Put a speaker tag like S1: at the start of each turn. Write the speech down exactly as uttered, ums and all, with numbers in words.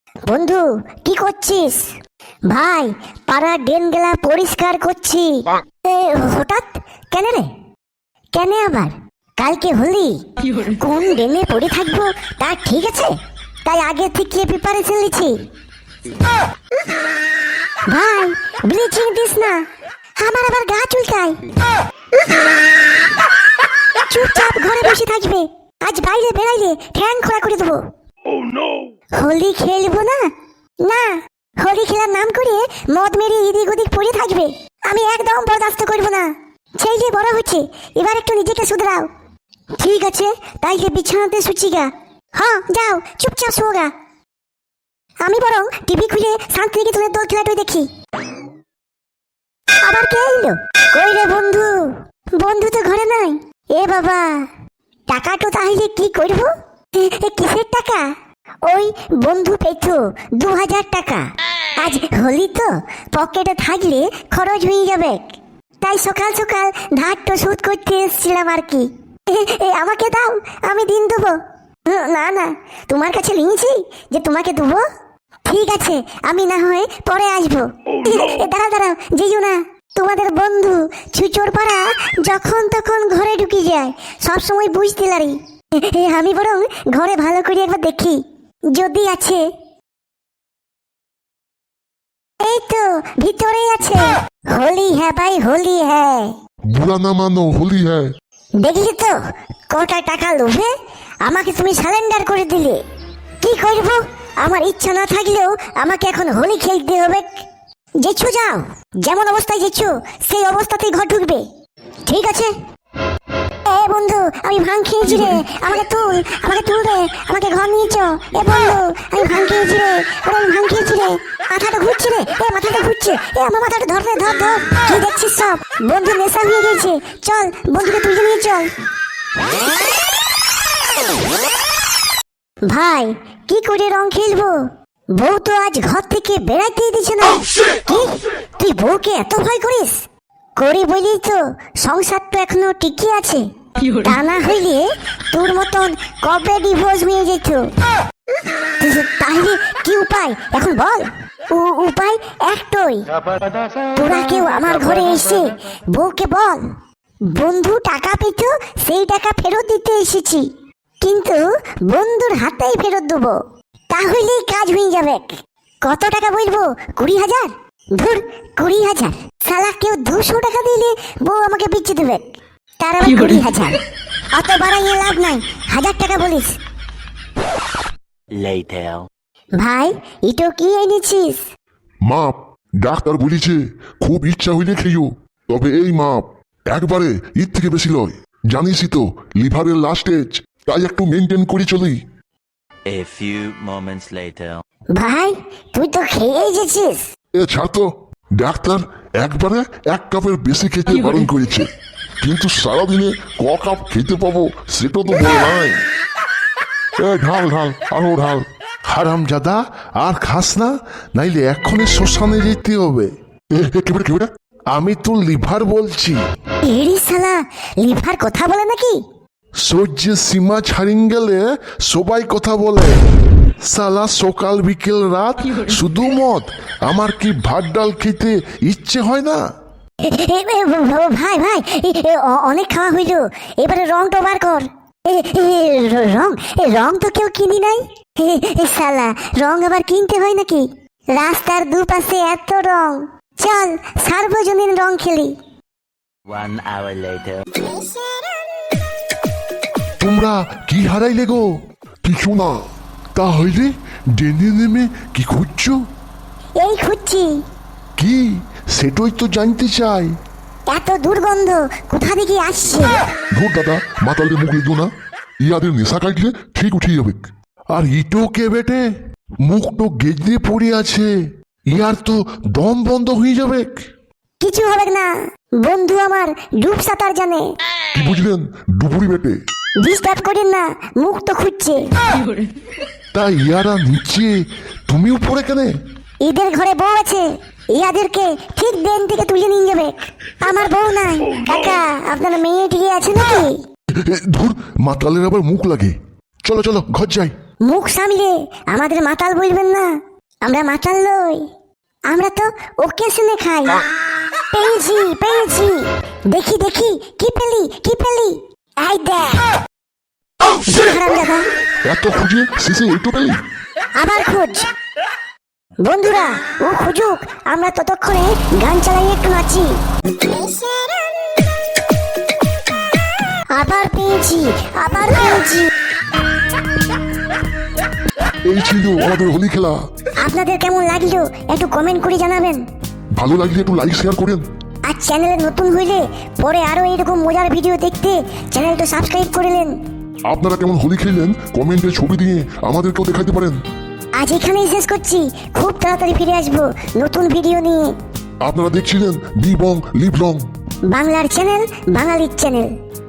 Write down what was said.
S1: বন্ধু কি করছিস? ভাই পাড়ার ড্রেন গেলা পরিষ্কার করছি। এ, হঠাৎ কেন রে? কেন আবার? কালকে হোলি, কোন ড্রেনে পড়ে থাকবো তা ঠিক আছে, তাই আগে থেকে প্রিপারেশন নিচ্ছি। ভাই ব্লিচিং দিস না, আমার আবার গা চুলকায়। চুপচাপ ঘরে বসে থাকবে, আজ বাইরে বেরাইলে ঠ্যাং খোলা করে দেবো। হোলি খেলবো না? না, হোলি খেলার নাম করে মদ মেরে এদিক ওদিক পড়ে থাকবে, আমি একদম বরদাস্ত করবো না। সেই যে বড় হচ্ছে, এবার একটু নিজেকে শুধরাও। ঠিক আছে, তাইলে বিছানাতে শুচ্ছি গা। হ্যাঁ যাও, চুপচাপ শোগা। আমি বরং টিভি খুলে শান্তিনিকেতনের দোল খেলাটাই দেখি। আবার কে এলো? কই রে বন্ধু? বন্ধু তো ঘরে নাই। এ বাবা, টাকা তো তাহলে কি করবো? কিসের টাকা? ওই বন্ধু পেতো দু হাজার টাকা। আজ হোলি তো, পকেটে থাকলে খরচ হয়ে যাবে, তাই সকাল সকাল ধারটা শোধ করতে এসেছিলাম আর কি। আমাকে দাও, আমি দিন দেবো। না না, তোমার কাছে নিয়েছি যে তোমাকে দেবো। ঠিক আছে, আমি না হয় পরে আসবো। দাঁড়াও দাঁড়াও, যেও না। তোমাদের বন্ধু ছুচোর পাড়া যখন তখন ঘরে ঢুকে যায়, সবসময় বুঝতে পারি। আমি বরং ঘরে ভালো করে একবার দেখি যদি আছে। এই তো ভিতরেই আছে। হোলি হ্যাঁ ভাই, হোলি হ্যাঁ।
S2: বুড়া না মানো, হোলি হ্যাঁ।
S1: দেখলি তো কটা টাকা লোভে আমাকে তুমি সারেন্ডার করে দিলে। কি করবো, আমার ইচ্ছা না থাকলেও আমাকে এখন হোলি খেলতে হবে। যেছো যাও, যেমন অবস্থায় যেছো সেই অবস্থাতেই ঘর ঢুকবে, ঠিক আছে? এ বন্ধু, আমি ভাঙ খেয়েছি রে, আমাকে তুল, আমাকে তুল রে, আমাকে ঘর নিয়ে চ। এ বন্ধু, আমি ভাঙ খেয়েছি রে, ওরে আমি ভাঙ খেয়েছি রে, মাথাটা ঘুরছে রে, এ মাথাটা ঘুরছে, এ আমার মাথাটা ধর রে, ধর ধর। কি দেখছিস সব? বন্ধু নেশা হয়ে গেছে, চল বন্ধুকে তুলে নিয়ে চল। ভাই কি করে রং খেলবো? বউ তো আজ ঘর থেকে বেড়াইতেই দিছে না। কি, তুই বউকে এত ভয় করিস? করি বলি তো সংসারটা এখনো টিকে আছে, তা না হইলে তোর মতন কবে ডিভোর্স হয়ে যেত। তাহলে কি উপায় এখন বল? উপায় একটাই, তোরা কেউ আমার ঘরে এসে বউকে বল বন্ধু টাকা পেত, সেই টাকা ফেরত দিতে এসেছি, কিন্তু বন্ধুর হাতেই ফেরত দেবো, তাহলেই কাজ হয়ে যাবে। কত টাকা বলবো? কুড়ি হাজার? ধুর, কুড়ি হাজার? সালা কেউ দুশো টাকা দিলে বউ আমাকে বিচ্ছে দেবে, তার আবার কুড়ি হাজার? অত বাড়াইয়ে লাভ নাই, হাজার টাকা বলিস। ভাই এটো কি এনেছিস?
S2: মাপ, ডাক্তার বলিছে খুব ইচ্ছা হইলে খেয়েও, তবে এই মাপ একবারে ঈদ থেকে বেশি লয়। জানিসই তো লিভারের লাস্ট স্টেজ, তাই একটু মেনটেন করে চলি।
S3: A few moments later.
S1: ভাই তুই তো খেয়ে গেছিস।
S2: এ ছাড় তো, ডাক্তার একবারে এক কাপের বেশি খেতে বারণ করেছে, কিন্তু সারাদিনে ক কাপ খেতে পাবো সেটা তো বলে নাই। এ ঢাল ঢাল, আরো ঢাল।
S4: হারামজাদা, আর খাস না, নাইলে এক্ষুনি শ্মশানে যেতে হবে।
S2: এ এ, কেবড়ে কেবড়ে,
S4: আমি তো লিভার বলছি।
S1: এরি শালা লিভার কথা বলে নাকি?
S4: সহ্যের সীমা ছাড়িয়ে গেলে সবাই কথা বলে। সালা সকাল বিকেল রাত শুধু মদ, আমার কি ভাত ডাল খেতে ইচ্ছে হয় না?
S1: এ, এ, এ, ভাই ভাই এ, এ, অ- অনেক খাওয়া হইল, এবারে রংটা বার কর। এ, এ, র- রং এ, রং তো কেউ কিনি নাই। এ, এ, শালা রং আবার কিনতে হয় নাকি? রাস্তার দুপাশে এত রং, চল সার্বজনীন রং খেলি।
S3: One hour later.
S4: তোমরা কি হারাইলে গো?
S2: কিছু না।
S4: তাহলে ডেনে নেমে কি খুঁজছো?
S1: এই খুঁজছি।
S4: কি সেটাই তো জানতে চাই।
S1: এত দুর্গন্ধ কোথা থেকে আসছে?
S2: ধর দাদা, মাতালদের মুখ লিখো না, ইয়াদের নেশা কাটলে ঠিক উঠিয়ে যাবে।
S4: আর ইটো কে বেটে, মুখ তো গেজে পড়ে আছে, ইয়ার তো দম বন্ধ হয়ে যাবে।
S1: কিছু হবে না, বন্ধু আমার ডুব সাঁতার জানে।
S2: কি বুঝলেন ডুবুরি বেটে?
S1: ডিস্টার্ব করেন না, মুখ তো খুঁজছে।
S4: তা ইয়ারা নিচে, তুমি উপরে কেন?
S1: ঈদের ঘরে বউ আছে, ইয়াদেরকে ঠিক দেন থেকে তুলে নিয়ে যাবে। আমার বউ নাই। কাকা আপনার মেয়ে ঠিক আছে নাকি?
S4: ধুর, মাতালের আবার মুখ লাগে। চলো চলো ঘর যাই।
S1: মুখ সামলে আমাদের মাতাল বলবেন না, আমরা মাতাল নই, আমরা তো ওকেশনে খাই। পেয়েছি পেয়েছি, দেখি দেখি কি পেলি কি পেলি, এই দেখ। হারামজাদা,
S2: এত খুঁজে শেষে একটু পেলি?
S1: আবার খোঁজ। বন্ধুরা ও খুঁজুক, আমরা ততক্ষণে গান চালাই একটু নাচি। আবার পেয়েছি আবার পেয়েছি।
S2: এই ছিল আমাদের হোলি খেলা।
S1: আপনাদের কেমন লাগলো একটু কমেন্ট করে জানাবেন।
S2: ভালো লাগলে একটু লাইক শেয়ার করেন।
S1: আর চ্যানেলে নতুন হইলে পরে আরো এরকম মজার ভিডিও দেখতে চ্যানেলটা সাবস্ক্রাইব করে নেন।
S2: আপনারা কেমন হোলি খেললেন কমেন্টে ছবি দিয়ে আমাদেরকেও দেখাতে পারেন।
S1: আজ এখানেই শেষ করছি, খুব তাড়াতাড়ি ফিরে আসবো নতুন ভিডিও নিয়ে।
S2: আপনারা দেখছিলেন বি বং লিভ লং।
S1: বাংলার চ্যানেল, বাঙালির চ্যানেল।